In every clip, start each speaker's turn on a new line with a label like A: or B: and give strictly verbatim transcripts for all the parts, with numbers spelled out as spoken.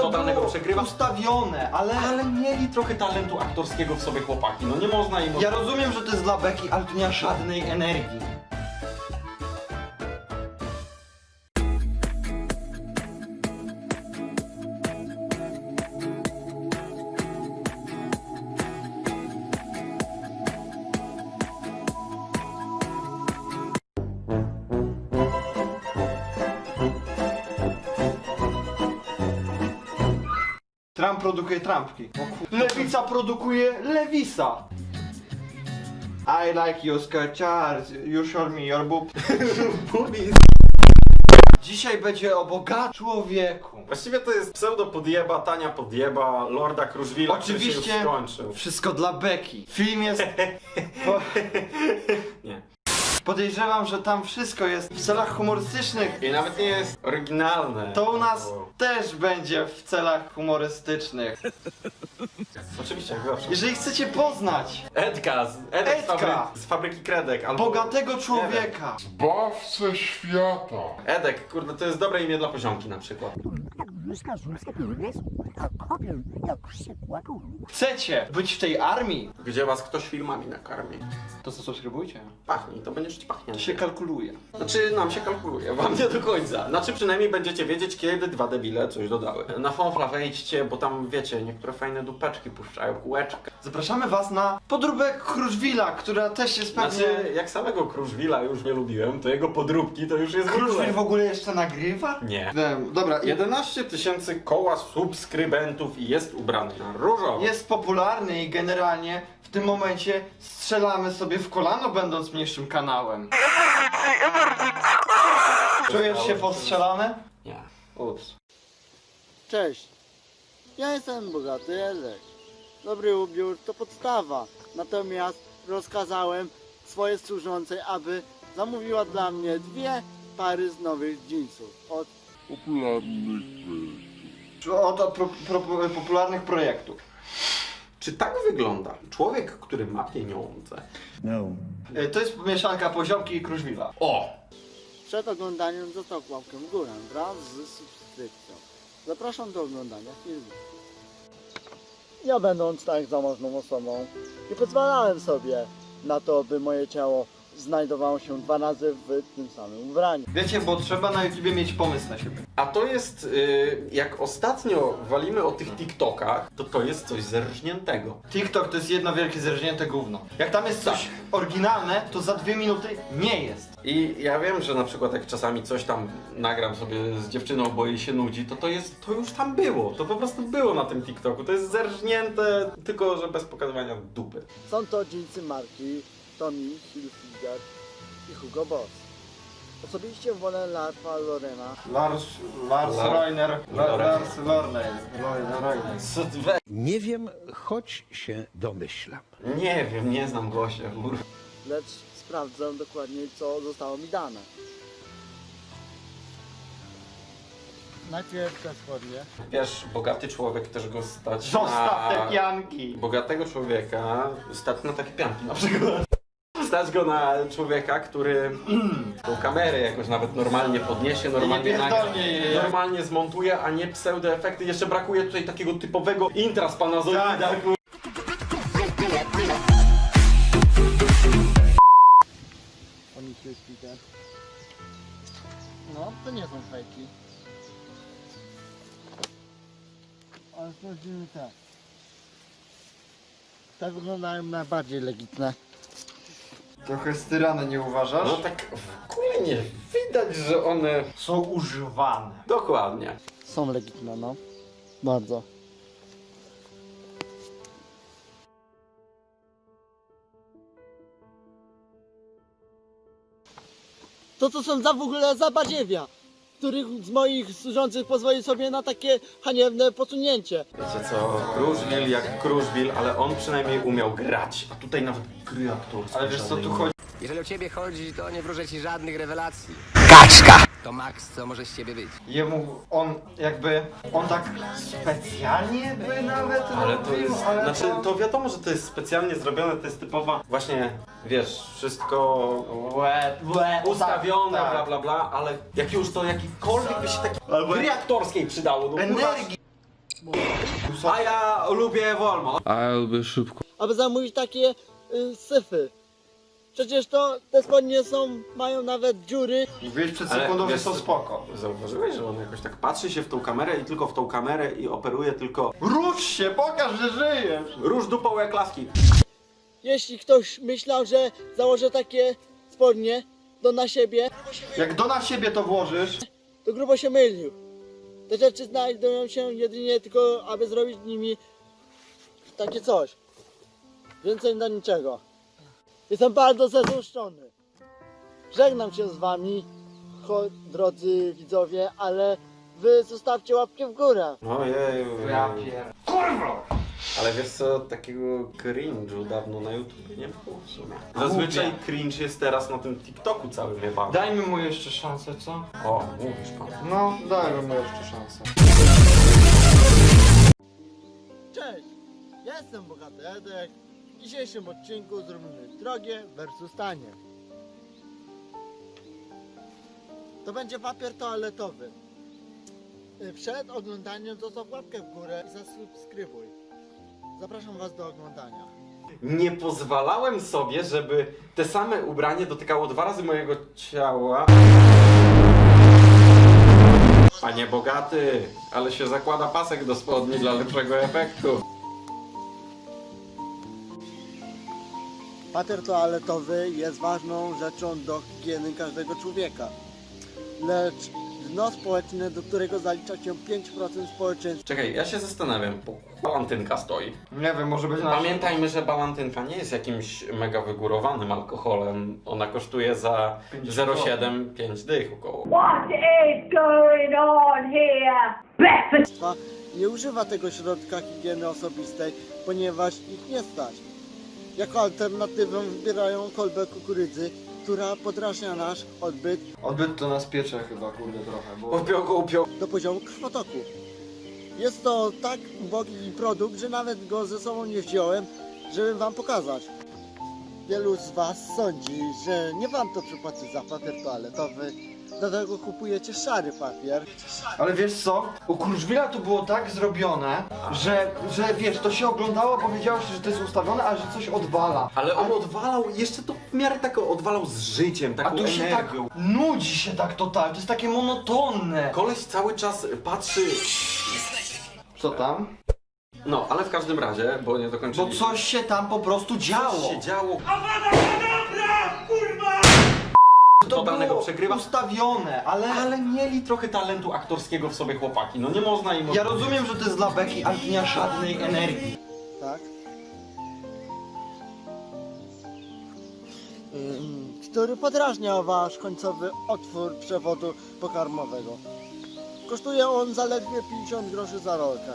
A: totalnego przegrywa.
B: Ustawione, ale...
A: Ale mieli trochę talentu aktorskiego w sobie chłopaki, no nie można im...
B: Ja rozumiem, że to jest dla beki, ale tu nie ma żadnej energii. Trump produkuje trampki. Lewica produkuje Lewisa. I like your skirt, Charles. You show me your boob. Dzisiaj będzie o bogatym człowieku.
A: Właściwie to jest pseudo podjeba, tania podjeba, Lorda Kruszwila, który się już
B: Oczywiście
A: skończył.
B: wszystko dla beki. Film jest... Po...
A: Nie.
B: Podejrzewam, że tam wszystko jest w celach humorystycznych.
A: I nawet nie jest oryginalne.
B: To u nas
A: Bo-
B: też będzie w celach humorystycznych.
A: Oczywiście, jak zawsze.
B: Jeżeli chcecie poznać
A: Edka, z, Edek
B: Edka.
A: Z, fabryki, z fabryki Kredek, albo...
B: bogatego człowieka,
C: Zbawcę świata.
A: Edek, kurde, to jest dobre imię dla poziomki na przykład.
B: chcecie być w tej armii,
A: Gdzie was ktoś filmami nakarmi.
B: to zasubskrybujcie.
A: Pachnie, to będzie ci pachnieć.
B: To się kalkuluje.
A: Znaczy, nam się kalkuluje, wam nie do końca. Znaczy, przynajmniej będziecie wiedzieć, kiedy dwa debile coś dodały. Na Fonfla wejdźcie, bo tam, wiecie, niektóre fajne dupeczki puszczają, kółeczka.
B: Zapraszamy was na podróbek Kruszwila, która też jest pewnie...
A: Znaczy, jak samego Kruszwila już nie lubiłem, to jego podróbki to już jest w ogóle-
B: Kruszwil w ogóle jeszcze nagrywa?
A: Nie.
B: Wiem, dobra, i
A: jedenaście tysięcy koła subskrybentów i jest ubrany na różowo.
B: jest popularny i generalnie w tym momencie strzelamy sobie w kolano, będąc mniejszym kanałem. Czujesz się postrzelany?
A: Nie.
B: Ups.
D: Cześć, ja jestem bogaty Edek. Dobry ubiór to podstawa, natomiast rozkazałem swojej służącej, aby zamówiła dla mnie dwie pary z nowych jeansów od
C: Popularnych projektów.
B: Od, od pro, pro, popularnych projektów.
A: Czy tak wygląda człowiek, który ma pieniądze?
B: Y, To jest mieszanka poziomki i Kruszwila.
A: O!
D: Przed oglądaniem został łapkę w górę wraz z subskrypcją. Zapraszam do oglądania filmu. Ja będąc tak zamożną osobą, nie pozwalałem sobie na to, by moje ciało znajdowało się dwa razy w tym samym ubraniu.
B: Wiecie, bo trzeba na YouTubie mieć pomysł na siebie.
A: A to jest, y, jak ostatnio walimy o tych TikTokach, to to jest coś zerżniętego.
B: TikTok to jest jedno wielkie zerżnięte gówno. Jak tam jest coś oryginalne, to za dwie minuty nie jest.
A: I ja wiem, że na przykład jak czasami coś tam nagram sobie z dziewczyną, bo jej się nudzi, to to jest, to już tam było. To po prostu było na tym TikToku. To jest zerżnięte, tylko że bez pokazywania dupy.
D: Są to jeansy marki Tommy Hilfiger i Hugo Boss. Osobiście wolę Larfa Lorena.
B: Lars, Lars
A: Lar-
B: Reiner, La-
A: Lorena.
B: Lars Lorner, Reiner.
A: Co ty we...
E: Nie wiem, choć się domyślam.
A: Nie wiem, nie znam gościa, kurwa.
D: Lecz sprawdzę dokładnie, co zostało mi dane. Najpierw te spodnie.
A: Wiesz, bogaty człowiek też go stać
B: Zostaw
A: na...
B: te pianki!
A: Bogatego człowieka stać na takie pianki na przykład. Stać go na człowieka, który tą kamerę jakoś nawet normalnie podniesie, normalnie
B: Nie
A: nagra,
B: pierdolnie jej.
A: normalnie zmontuje, a nie pseudoefekty. Jeszcze brakuje tutaj takiego typowego intra z Panazolida.
B: Tak.
D: Oni się No, to nie są fejki. Ale sprawdzimy te. Te wyglądają najbardziej legitne.
B: Trochę styrane, nie uważasz?
A: No tak w ogóle nie widać, że one...
B: Są używane.
A: Dokładnie.
D: Są legitne, no. Bardzo. To to są za w ogóle za badziewia, których z moich służących pozwoli sobie na takie haniebne posunięcie.
A: Wiecie co, Kruszwil jak Kruszwil, ale on przynajmniej umiał grać. A tutaj nawet gry aktorskie.
B: Ale wiesz co tu
A: żadnej
B: chodzi?
F: Jeżeli o ciebie chodzi, to nie wróżę ci żadnych rewelacji. Kaczka! To Max, co może z ciebie być?
B: Jemu, on jakby, on tak specjalnie by nawet
A: Ale to
B: robił,
A: jest,
B: ale
A: znaczy to wiadomo, że to jest specjalnie zrobione, to jest typowa, właśnie, wiesz, wszystko
B: Łe, łe,
A: ustawione,
B: tak,
A: bla
B: tak.
A: bla bla, ale jak już to jakikolwiek by się takiej
B: Albo-
A: gry aktorskiej przydało, no kurwa.
B: Energii. Jezusa.
A: A ja lubię wolno.
G: A ja lubię szybko.
D: aby zamówić takie y, syfy. Przecież to te spodnie są, mają nawet dziury.
B: Mówiłeś przed
A: Ale
B: sekundą, że
A: wiesz
B: są
A: co-
B: spoko.
A: Zauważyłeś, że on jakoś tak patrzy się w tą kamerę i tylko w tą kamerę i operuje tylko...
B: Rusz się, pokaż, że żyjesz!
A: Róż dupą jak laski.
D: Jeśli ktoś myślał, że założę takie spodnie do na siebie,
B: Jak do na siebie to włożysz,
D: to grubo się mylił. Te rzeczy znajdują się jedynie tylko, aby zrobić nimi takie coś. Więcej na niczego. Jestem bardzo zazdroszczony. Żegnam się z wami, cho- drodzy widzowie, ale wy zostawcie łapkę w górę.
A: Ojej.
B: ja pier... Kurwa!
A: Ale wiesz co, takiego cringe'u dawno na YouTube nie było w sumie. Zazwyczaj cringe jest teraz na tym TikToku całym chyba.
B: Dajmy mu jeszcze szansę, co?
A: O, mówisz pan.
B: No, dajmy mu jeszcze szansę.
D: Cześć, ja jestem Bogaty Edek. W dzisiejszym odcinku zrobimy drogie versus tanie. To będzie papier toaletowy. Przed oglądaniem zostaw łapkę w górę i zasubskrybuj. Zapraszam was do oglądania.
A: Nie pozwalałem sobie, żeby te same ubranie dotykało dwa razy mojego ciała. Panie Bogaty, ale się zakłada pasek do spodni dla lepszego efektu.
D: Papier toaletowy jest ważną rzeczą do higieny każdego człowieka. Lecz dno społeczne, do którego zalicza się pięć procent społeczeństwa,
A: Czekaj, ja się zastanawiam, bo balantynka stoi.
B: Nie wiem, może być na...
A: Pamiętajmy, że balantynka nie jest jakimś mega wygórowanym alkoholem. Ona kosztuje za zero przecinek siedem pięć dych około.
H: What is going on here? Breakfast.
D: nie używa tego środka higieny osobistej, ponieważ ich nie stać. Jako alternatywę wybierają kolbę kukurydzy, która podrażnia nasz odbyt
B: Odbyt to nas piecze chyba, kurde, trochę, bo...
A: Upiął go, upiął.
D: do poziomu krwotoku. Jest to tak ubogi produkt, że nawet go ze sobą nie wziąłem, żeby wam pokazać. Wielu z was sądzi, że nie warto przypłacić za papier toaletowy, dlatego kupujecie szary papier.
B: Ale wiesz co? U Kruszwila to było tak zrobione, że, że wiesz, to się oglądało, bo wiedziało się, że to jest ustawione, a że coś odwala.
A: Ale on odwalał, jeszcze to w miarę tak odwalał z życiem,
B: A
A: taką
B: tu się tak
A: energią.
B: nudzi się tak totalnie, to jest takie monotonne.
A: Koleś cały czas patrzy...
B: Co tam?
A: No, ale w każdym razie, bo nie
B: Bo
A: dokończyliśmy.
B: coś się tam po prostu działo.
A: Coś się działo.
B: To
A: totalnego
B: było
A: przegrywa.
B: ustawione, ale...
A: Ale mieli trochę talentu aktorskiego w sobie chłopaki, no nie można im...
B: Ja rozumiem, że to jest dla beki, ale to nie ma żadnej energii.
D: Tak? Ym, który podrażnia wasz końcowy otwór przewodu pokarmowego. Kosztuje on zaledwie pięćdziesiąt groszy za rolkę.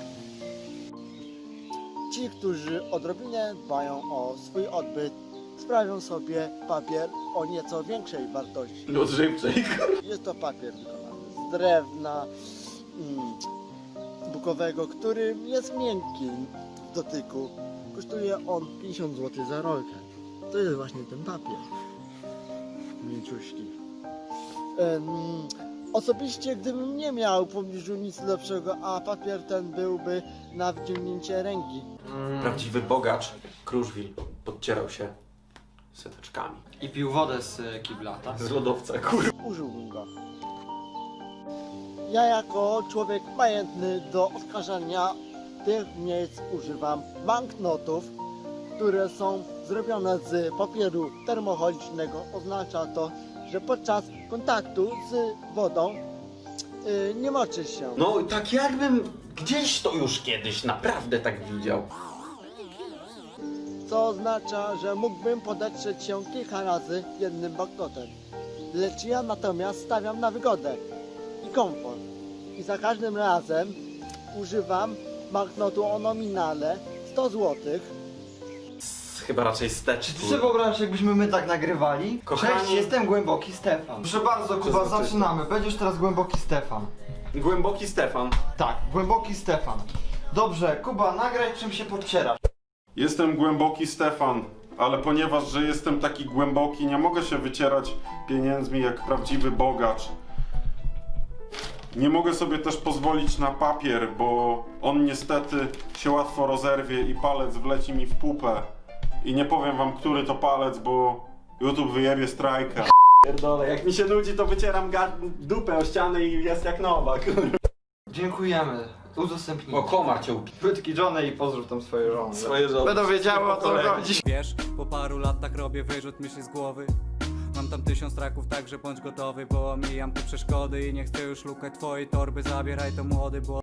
D: Ci, którzy odrobinę dbają o swój odbyt, sprawią sobie papier o nieco większej wartości.
A: Odżywczej.
D: Jest to papier wykonany z drewna mm, bukowego, który jest miękki w dotyku. Kosztuje on pięćdziesiąt złotych za rolkę. To jest właśnie ten papier. Mięciuśki. Em, osobiście, gdybym nie miał w pobliżu nic lepszego, a papier ten byłby na wyciągnięcie ręki,
A: Prawdziwy bogacz, Kruszwil, podcierał się seteczkami.
B: I pił wodę z kibla, tak?
A: Z lodowca, kur...
D: użyłbym go. Ja jako człowiek majętny do oskarżania tych miejsc używam banknotów, które są zrobione z papieru termocholicznego. Oznacza to, że podczas kontaktu z wodą yy, nie moczy się.
A: No tak jakbym gdzieś to już kiedyś naprawdę tak widział.
D: Co oznacza, że mógłbym podetrzeć się kilka razy jednym banknotem. Lecz ja natomiast stawiam na wygodę i komfort. I za każdym razem używam banknotu o nominale sto złotych.
A: Chyba raczej
B: Czy
A: stecz.
B: ty sobie wyobrażasz, jakbyśmy my tak nagrywali?
A: Kochani-
B: Cześć, jestem Głęboki Stefan. Proszę bardzo, Kuba,
A: Przezroczysty.
B: zaczynamy. Będziesz teraz Głęboki Stefan.
A: Głęboki Stefan.
B: Tak, Głęboki Stefan. Dobrze, Kuba, nagraj czym się podcierasz.
C: Jestem głęboki Stefan, ale ponieważ, że jestem taki głęboki, nie mogę się wycierać pieniędzmi jak prawdziwy bogacz. Nie mogę sobie też pozwolić na papier, bo on niestety się łatwo rozerwie i palec wleci mi w pupę. I nie powiem wam, który to palec, bo YouTube wyjebie strajka.
A: Pierdolę, jak mi się nudzi, to wycieram ga- dupę o ścianę i jest jak nowa, kurwa.
B: Dziękujemy. Udostępnij.
A: O, komar cię upi...
B: Płytki Johnny i pozdrów tam swoje żony.
A: Swoje żony.
B: Będą wiedziały o co
A: Kolegi.
B: chodzi.
G: Wiesz, po paru latach robię wyrzut myśli z głowy. Mam tam tysiąc traków, także bądź gotowy, bo omijam te przeszkody i nie chcę już lukać twojej torby. Zabieraj to młody, bo